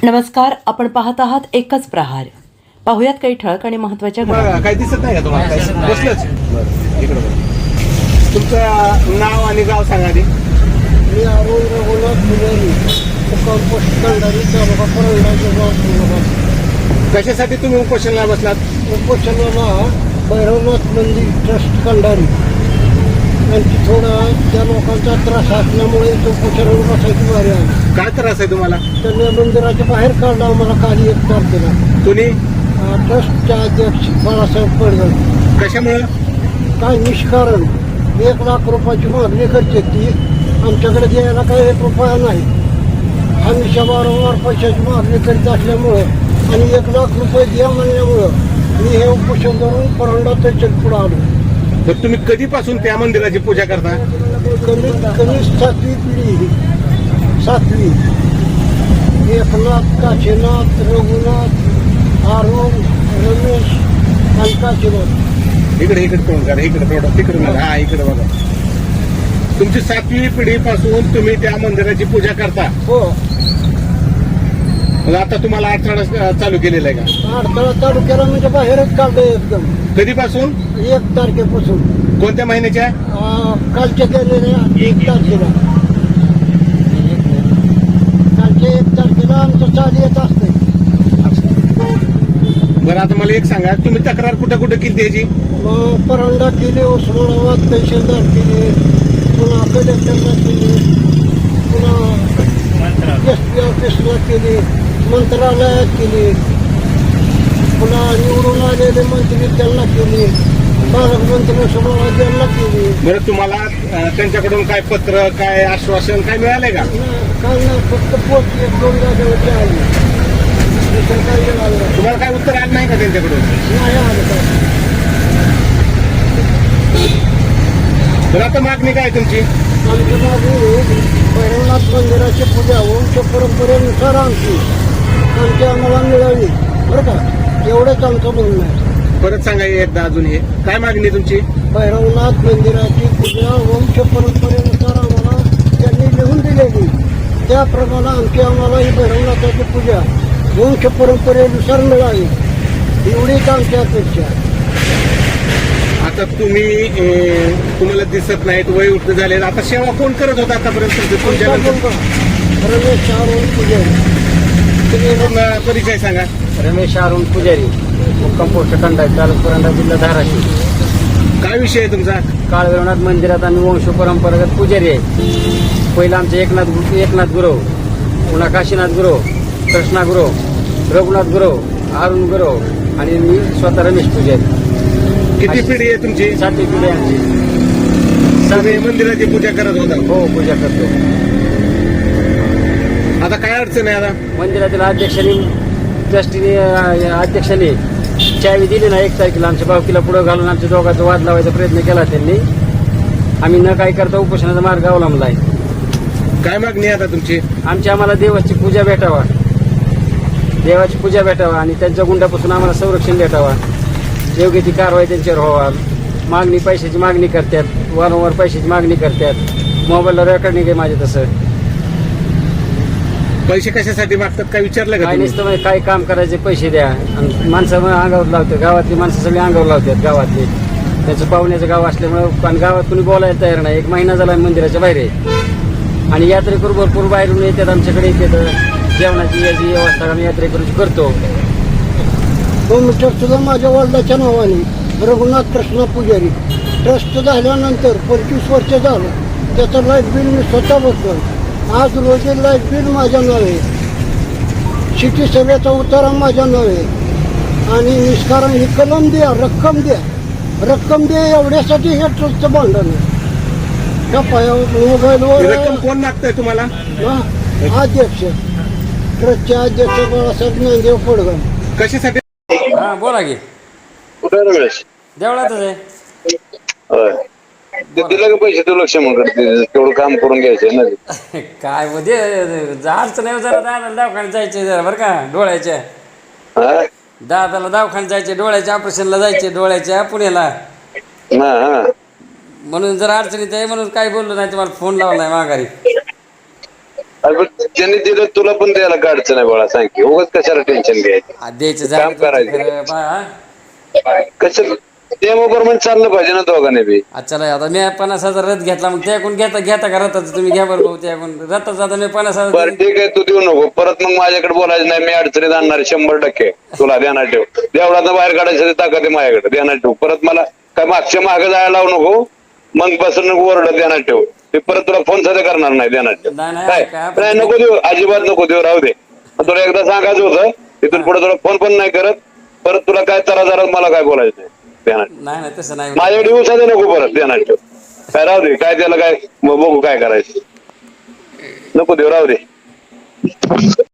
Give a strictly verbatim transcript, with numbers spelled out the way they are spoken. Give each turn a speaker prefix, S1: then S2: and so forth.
S1: नमस्कार, आपण पाहत आहात एकच प्रहार. पाहुयात काही ठळक आणि महत्त्वाच्या घटना.
S2: काही दिसत नाही का तुम्हाला? बसलंच बरं इकडं बघा. तुमचं नाव आणि गाव सांगा आधी.
S3: मी अरुण रघुनाथ पुजारी, मुक्काम पोस्ट कंधारी, तालुका परंडा, जिल्हा उस्मानाबाद.
S2: कशासाठी तुम्ही उपोषणाला बसलात?
S3: उपोषणाला भैरवनाथ मंदिर ट्रस्ट कंधारी यांची थोडा त्या लोकांचा त्रास असल्यामुळे तो उपोषणाला बसायची वारी आली.
S2: काय त्रास आहे तुम्हाला?
S3: त्यांनी मंदिराच्या बाहेर काढला आम्हाला काही एक तारखेला.
S2: तुम्ही
S3: ट्रस्टच्या अध्यक्ष बाळासाहेब पडगळ
S2: कशामुळं?
S3: काय निष्कारण एक लाख रुपयाची मागणी करते ती आमच्याकडे द्यायला काही एक रुपया नाही. हमेशा वारंवार पैशाची मागणी करीत असल्यामुळं आणि एक लाख रुपये द्या म्हणल्यामुळं मी हे उपोषण धरून परंडा त्याच्या पुढं आलो.
S2: तर तुम्ही कधीपासून त्या मंदिराची पूजा करता?
S3: कमीत कमी सातवी पिढी, सातवी. एकनाथ, काशीनाथ, रघुनाथ, अरुण, रमेश आणि काशीनाथ.
S2: इकडे इकडे तोंड करा, इकडे थोडं तिकडे बघा. हा इकडे बघा. तुमची सातवी पिढीपासून तुम्ही त्या मंदिराची पूजा करता.
S3: हो.
S2: मग आता तुम्हाला अडथळा चालू केलेला आहे का?
S3: अडथळा तालुक्याला म्हणजे बाहेरच काढलं एकदम.
S2: कधीपासून?
S3: एक तारखेपासून.
S2: कोणत्या महिन्याच्या?
S3: अं, कालच्या केलेल्या एक तारखेला. कालच्या एक तारखेला आमचं चाल येत असते.
S2: बरं, आता मला एक सांगा, तुम्ही तक्रार कुठं कुठं केली त्याची?
S3: मग परंडा केली, उस्मानाबाद तहसीलदार केली, पुन्हा कलेक्टरला केली, पुन्हा एस पी ऑफिसला केली, मंत्रालयात केली, पुन्हा निवडून आलेले मंत्री त्यांना केली, पालकमंत्री सभावाद यांना केली.
S2: बरं, तुम्हाला अं, त्यांच्याकडून काय पत्र, काय आश्वासन काय मिळालंय का?
S3: काय नाही, फक्त पोच एक दोन जागेवरती आली. दुसरं काही आलं नाही.
S2: तुम्हाला काय उत्तर आलं नाही का त्यांच्याकडून?
S3: नाही आलं काय.
S2: तर आता मागणी काय तुमची?
S3: आमच्या मागे भैरवनाथ मंदिराची पूजा वंश परंपरेनुसार आमची आमची आम्हाला मिळाली, बरं का? एवढंच आमचं म्हणणं आहे.
S2: परत सांगा एकदा अजून. हे काय मागणी तुमची?
S3: भैरवनाथ मंदिराची पूजा वंश परंपरेनुसार आम्हाला त्यांनी लिहून दिलेली, त्याप्रमाणे आमची आम्हाला ही भैरवनाथाची पूजा वंश परंपरेनुसार मिळाली, एवढीच आमची अपेक्षा आहे.
S2: आता तुम्ही अं, तुम्हाला दिसत नाहीत, वय उठत झाले, आता सेवा कोण करत होता आतापर्यंत तुमच्यानंतर?
S3: रमेश अरुण पुजारी.
S2: तुम्ही पूर्ण परिचय सांगा.
S3: रमेश अरुण पुजारी, मुक्काम पोस्ट कंधारी, तालुका परंडा, जिल्हा धाराशिव.
S2: काय विषय आहे तुमचा?
S3: काळभैरवनाथ मंदिरात आम्ही वंश परंपरागत पुजारी आहे. पहिलं आमचे एकनाथ एकनाथ गुरव, पुन्हा काशीनाथ गुरव, कृष्णा गुरव, रघुनाथ गुरव, अरुण गुरव आणि मी स्वतः रमेश पुजारी.
S2: किती पिढी आहे तुमची?
S3: सातवी पिढी आमची.
S2: तुम्ही मंदिराची पूजा करत होता.
S3: हो, पूजा करतो.
S2: आता काय अडचण आहे? आता
S3: मंदिरातील अध्यक्षांनी ट्रस्टीने अध्यक्षांनी चावी दिली ना एक तारखेला, आमच्या भावकीला पुढं घालून आमच्या दोघांचा वाद लावायचा प्रयत्न केला त्यांनी. आम्ही न काय करता उपोषणाचा मार्ग अवलंबला आहे.
S2: काय मागणी आहे आता तुमची?
S3: आमची आम्हाला देवाची पूजा भेटावा, देवाची पूजा भेटावा आणि त्यांच्या गुंडापासून आम्हाला संरक्षण भेटावा, योग्य ती कारवाई त्यांच्यावर व्हावा. मागणी पैशाची मागणी करतात, वारंवार पैशाची मागणी करतात. मोबाईलला रेकॉर्डिंग आहे माझे. तसं
S2: पैसे कशासाठी मागतात काय विचारलं का
S3: काय
S2: तुम्ही?
S3: नसतं म्हणजे काय काम करायचे पैसे द्या आणि माणसं मग अंगावर लावतात. गावातली माणसं सगळी अंगावर लावतात. गावातली त्याचं पाहुण्याचं गाव असल्यामुळे आणि गावात कुणी बोलायला तयार नाही. एक महिना झाला मंदिराच्या बाहेर आहे आणि यात्रेकरू भरपूर बाहेरून येतात, आमच्याकडे येतात. जेवणाची याची व्यवस्था आम्ही यात्रेकरूची करतो. दोन ट्रस्ट माझ्या वडिलाच्या नावाने रघुनाथ कृष्णा पुजारी. ट्रस्ट झाल्यानंतर पंचवीस वर्ष झालं. त्याचं लाईट बिल मी स्वतः बसतो. आज रोजी लाईट बिल माझ्या नावे, सिटी सभेचा उतारा माझ्या नावे आणि निष्कारण ही कलम द्या, रक्कम द्या, रक्कम द्या एवढ्यासाठी हे ट्रस्टचं भांडण आहे. त्या पायावर मोबाईलवर
S2: रक्कम कोण मागतंय तुम्हाला?
S3: हा, अध्यक्ष ट्रस्टचे अध्यक्ष बाळासाहेब नांदेव पडगळ.
S2: कशासाठी?
S4: हा बोला की.
S5: कुठे रमेश?
S4: देवळातच आहे.
S5: होय. ते दिलं का पैसे तू लक्ष मग तेवढं काम करून घ्यायचं ना.
S4: काय मध्ये अडचण नाही जरा दादाला दवाखान्यात जायचे जरा बरं का, डोळ्याच्या.
S5: हा?
S4: दादाला दवाखान्यात जायचे, डोळ्याच्या ऑपरेशनला जायचे, डोळ्याच्या पुण्याला.
S5: हा, हा.
S4: म्हणून जरा अडचणीत आहे म्हणून काही बोललो नाही, तुम्हाला फोन लावलाय माघारी.
S5: अरे पण ज्यांनी दिलं तुला पण द्यायला काय अडचण आहे बाळा, सांग की उगाच कशाला टेन्शन घ्यायचं.
S4: आ, द्यायचं
S5: काम
S4: झालं
S5: करायचं.
S4: खरं बा हा.
S5: कसं प्रेमाप्रमाणे चाललं पाहिजे ना दोघांनी बी.
S4: आज चला आता मी पन्नास हजार रथ घेतला मग त्याकडून घेता घेता का रथाचं तुम्ही घ्या बरं भाऊ त्याकडून रथाचं आता मी पन्नास हजार
S5: बरं ठीक आहे, तू देऊ नको परत, मग माझ्याकडे बोलायचं नाही, मी अडचणीत आणणार शंभर टक्के. तुला ध्यानात ठेव, देवळात बाहेर काढायचं ताकद आहे माझ्याकडे, ध्यानात ठेव. परत मला काय मागच्या मागे जायला लावू नको, मग बसून नको ओरडत, ध्यानात ठेव. मी परत तुला फोन सुद्धा करणार नाही, ध्यानात ठेव.
S4: नाही, नाही,
S5: काय
S4: काय
S5: नाही, नको देऊ, अजिबात नको देऊ, राहू दे. तुला एकदा सांगायचं होतं, तिथून पुढे तुला फोन पण नाही करत परत, तुला काय तरा जरा मला काय बोलायचं नाही, ध्यानात.
S4: नाही नाही तसं नाही
S5: माझ्याकडे येऊ साधे नको परत, ध्यानात ठेव. काय राहू दे, काय त्याला काय मग बघू काय करायचं, नको देऊ, राहू दे.